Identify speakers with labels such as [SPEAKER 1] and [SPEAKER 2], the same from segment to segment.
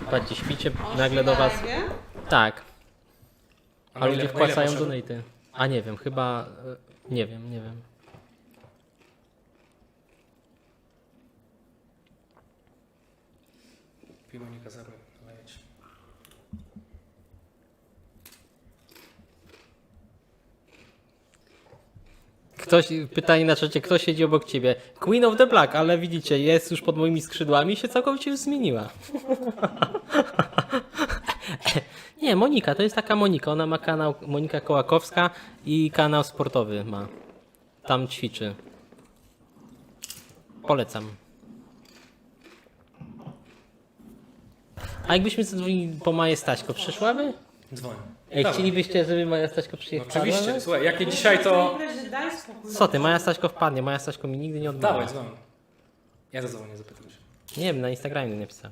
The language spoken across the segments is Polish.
[SPEAKER 1] patrzcie, śpicie, nagle do was... Tak. A ludzie wpłacają donaty. A nie wiem, chyba... Nie wiem.
[SPEAKER 2] Monika zabrał.
[SPEAKER 1] Pytanie na czacie, kto siedzi obok ciebie? Queen of the Black, ale widzicie, jest już pod moimi skrzydłami i się całkowicie już zmieniła. Nie, Monika, to jest taka Monika. Ona ma kanał Monika Kołakowska i kanał sportowy ma. Tam ćwiczy. Polecam. A jakbyśmy dzwonili po Maję Staśko, przyszłaby?
[SPEAKER 2] Dzwoń.
[SPEAKER 1] Ej,
[SPEAKER 2] Dawaj.
[SPEAKER 1] chcielibyście, żeby Maja Staśko przyjechała?
[SPEAKER 2] Oczywiście, słuchaj, jak nie dzisiaj to...
[SPEAKER 1] Co ty, Maja Staśko wpadnie, Maja Staśko mi nigdy nie odmawia.
[SPEAKER 2] Dawaj, dzwoń. Ja zadzwonię, zapytam się.
[SPEAKER 1] Nie wiem, na Instagramie nie napisał.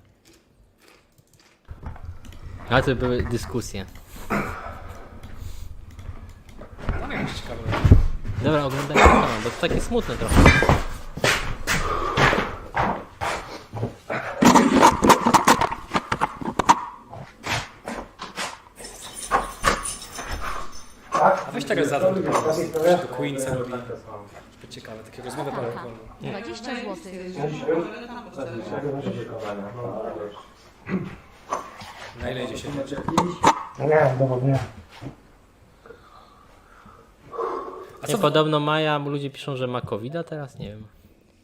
[SPEAKER 1] Ale to były dyskusje.
[SPEAKER 2] No nie wiem, ciekawe.
[SPEAKER 1] Dobra, oglądaj kanał, bo to takie smutne trochę.
[SPEAKER 2] A weź teraz zadam, że to Queen co robi. Żeby ciekawe, takie rozmowy po alkoholu.
[SPEAKER 3] 20 zł.
[SPEAKER 2] Na ile idzie się?
[SPEAKER 4] Nie, dowodnie.
[SPEAKER 2] A
[SPEAKER 1] Nie,
[SPEAKER 2] co
[SPEAKER 1] podobno Maja, ludzie piszą, że ma COVID-a teraz, nie wiem.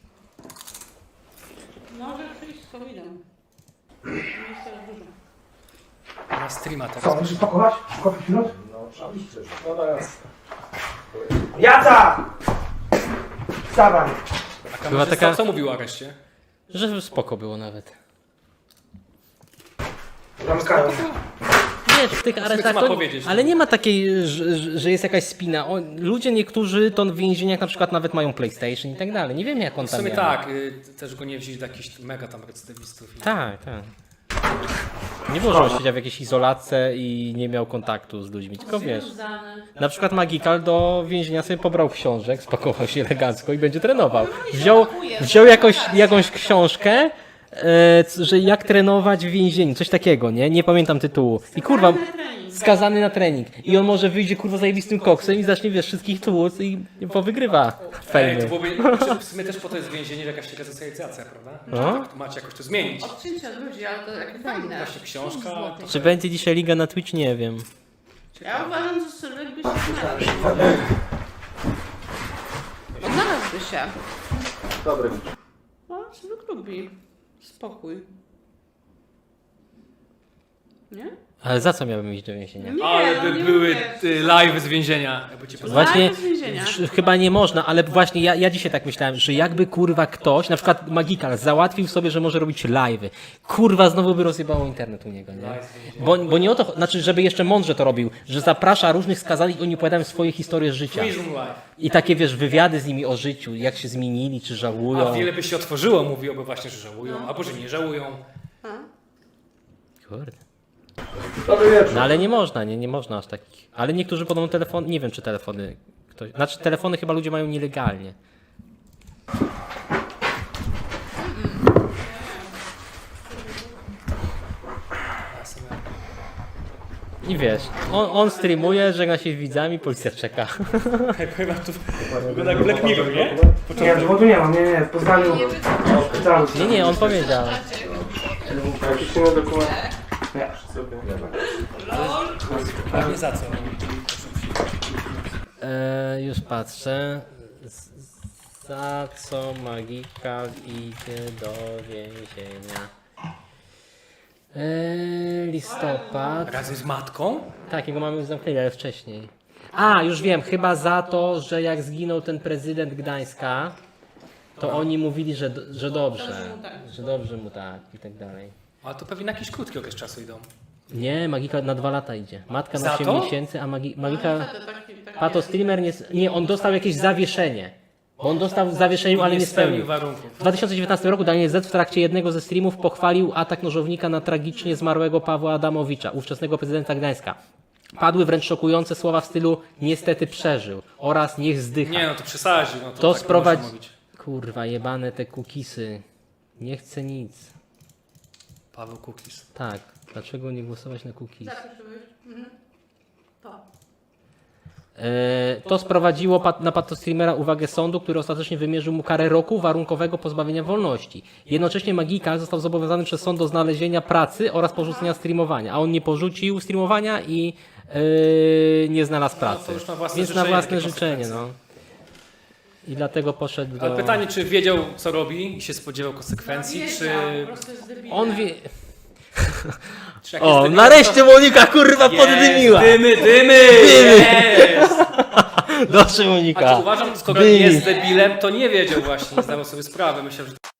[SPEAKER 5] Może przyjść z COVID-em. Jest teraz dużo.
[SPEAKER 2] na streama
[SPEAKER 4] Co,
[SPEAKER 2] teraz?
[SPEAKER 4] będziesz pakować? Kopić minut? No, oczywiście. No teraz. Jaca! Wstawaj!
[SPEAKER 2] A
[SPEAKER 1] Była
[SPEAKER 2] kamerzysta
[SPEAKER 1] taka-
[SPEAKER 2] co mówił o areszcie?
[SPEAKER 1] Że spoko było nawet.
[SPEAKER 4] Zamykają.
[SPEAKER 1] Wiesz, w tych aresztach
[SPEAKER 2] ma
[SPEAKER 1] to,
[SPEAKER 2] powiedzieć,
[SPEAKER 1] ale nie ma takiej, że jest jakaś spina. Ludzie niektórzy to w więzieniach na przykład nawet mają PlayStation i tak dalej. Nie wiem jak on
[SPEAKER 2] W
[SPEAKER 1] tam
[SPEAKER 2] sumie
[SPEAKER 1] miał.
[SPEAKER 2] tak, też go nie wzięli do jakichś mega tam recydywistów.
[SPEAKER 1] Tak. Nie było, że on siedział w jakiejś izolatce i nie miał kontaktu z ludźmi, tylko wiesz. Na przykład Magikal do więzienia sobie pobrał książek, spakował się elegancko i będzie trenował. Wziął jakąś książkę, że jak trenować w więzieniu, coś takiego, nie? Nie pamiętam tytułu. I kurwa, skazany na trening. I on może wyjdzie kurwa zajebistym koksem i zacznie, wiesz, wszystkich tłuc i powygrywa
[SPEAKER 2] Ej, to
[SPEAKER 1] fejmy.
[SPEAKER 2] byłoby, w sumie też po to jest więzienie, że jakaś resocjalizacja, prawda?
[SPEAKER 1] No.
[SPEAKER 2] Tak, tu macie jakoś to zmienić.
[SPEAKER 5] Odcięcia od ludzi, ale to jak fajne.
[SPEAKER 2] Właśnie książka.
[SPEAKER 1] Czy będzie dzisiaj liga na Twitch? Nie wiem.
[SPEAKER 5] Ja uważam, że Sylwek by się znalazł. Znalazłby się.
[SPEAKER 4] Dobry.
[SPEAKER 5] No, Sylwek lubi spokój. Nie?
[SPEAKER 1] Ale za co miałbym iść do więzienia?
[SPEAKER 5] Nie,
[SPEAKER 2] Ale
[SPEAKER 5] no
[SPEAKER 2] by
[SPEAKER 5] nie
[SPEAKER 2] były
[SPEAKER 5] mówię.
[SPEAKER 2] live z więzienia. Jakby cię poznali.
[SPEAKER 1] Właśnie
[SPEAKER 5] Tak, z więzienia.
[SPEAKER 1] chyba nie można, ale właśnie ja dzisiaj tak myślałem, że jakby kurwa ktoś, na przykład Magikal, załatwił sobie, że może robić live'y. Kurwa, znowu by rozjebało internet u niego, nie? Bo nie o to, znaczy, żeby jeszcze mądrze to robił, że zaprasza różnych skazanych i oni opowiadają swoje historie z życia.
[SPEAKER 2] Prison live.
[SPEAKER 1] I takie, wiesz, wywiady z nimi o życiu, jak się zmienili, czy żałują.
[SPEAKER 2] A wiele by się otworzyło, mówiłoby właśnie, że żałują, albo że nie żałują.
[SPEAKER 1] Kurde.
[SPEAKER 4] Dobry wieczór.
[SPEAKER 1] No ale nie można, nie można aż takich. Ale niektórzy podobno telefon, nie wiem czy telefony, znaczy telefony chyba ludzie mają nielegalnie. I wiesz, on streamuje, żegna się z widzami, policja czeka.
[SPEAKER 2] Chyba tu wygląda jak Black Mirror, nie?
[SPEAKER 4] Nie, dowodu nie mam, nie, w Poznaniu. W szpitalu.
[SPEAKER 1] Nie, on powiedział.
[SPEAKER 4] Jakiś inny dokument. Nie.
[SPEAKER 2] Nie za co.
[SPEAKER 1] Już patrzę. Za co Magikal idzie do więzienia? Listopad.
[SPEAKER 2] Razem z matką?
[SPEAKER 1] Tak, jego mamy już zamknęli, ale wcześniej. A, już wiem, chyba za to, że jak zginął ten prezydent Gdańska, to oni mówili, że dobrze. Że dobrze mu tak i tak dalej.
[SPEAKER 2] Ale to pewnie na jakiś krótki okres czasu idą.
[SPEAKER 1] Nie, Magika na 2 lata idzie. Matka na
[SPEAKER 2] Za
[SPEAKER 1] 8
[SPEAKER 2] to?
[SPEAKER 1] miesięcy, a Magika... Pato streamer nie, on dostał jakieś zawieszenie. Bo on dostał w zawieszeniu, ale nie spełnił.
[SPEAKER 2] warunków.
[SPEAKER 1] W 2019 roku Daniel Z w trakcie jednego ze streamów pochwalił atak nożownika na tragicznie zmarłego Pawła Adamowicza, ówczesnego prezydenta Gdańska. Padły wręcz szokujące słowa w stylu niestety przeżył oraz niech zdycha.
[SPEAKER 2] Nie no, to przesadził. No,
[SPEAKER 1] To
[SPEAKER 2] tak
[SPEAKER 1] sprowadzi...
[SPEAKER 2] można mówić.
[SPEAKER 1] Kurwa, jebane te kukisy. Nie chcę nic.
[SPEAKER 2] Paweł Kukis.
[SPEAKER 1] Tak, dlaczego nie głosować na cookies?
[SPEAKER 5] Zapisujesz? To.
[SPEAKER 1] To sprowadziło na patostreamera uwagę sądu, który ostatecznie wymierzył mu karę roku warunkowego pozbawienia wolności. Jednocześnie Magikal został zobowiązany przez sąd do znalezienia pracy oraz porzucenia streamowania, a on nie porzucił streamowania i nie znalazł pracy.
[SPEAKER 2] to już na własne
[SPEAKER 1] Więc na
[SPEAKER 2] życzenie,
[SPEAKER 1] własne
[SPEAKER 2] takie
[SPEAKER 1] życzenie,
[SPEAKER 2] konsekwencje.
[SPEAKER 1] no. I dlatego poszedł do...
[SPEAKER 2] Ale pytanie, czy wiedział, co robi i się spodziewał konsekwencji, czy...
[SPEAKER 5] Po prostu jest debilem.
[SPEAKER 1] On wie...
[SPEAKER 2] czy jak
[SPEAKER 1] O,
[SPEAKER 2] jest debilem,
[SPEAKER 1] nareszcie Monika kurwa
[SPEAKER 2] to-
[SPEAKER 1] poddymiła!
[SPEAKER 2] Jest, dymy! Jest!
[SPEAKER 1] Dobrze Monika!
[SPEAKER 2] A uważam, skoro
[SPEAKER 1] Dymi.
[SPEAKER 2] jest debilem, to nie wiedział właśnie, nie zdawał sobie sprawy. Myślał, że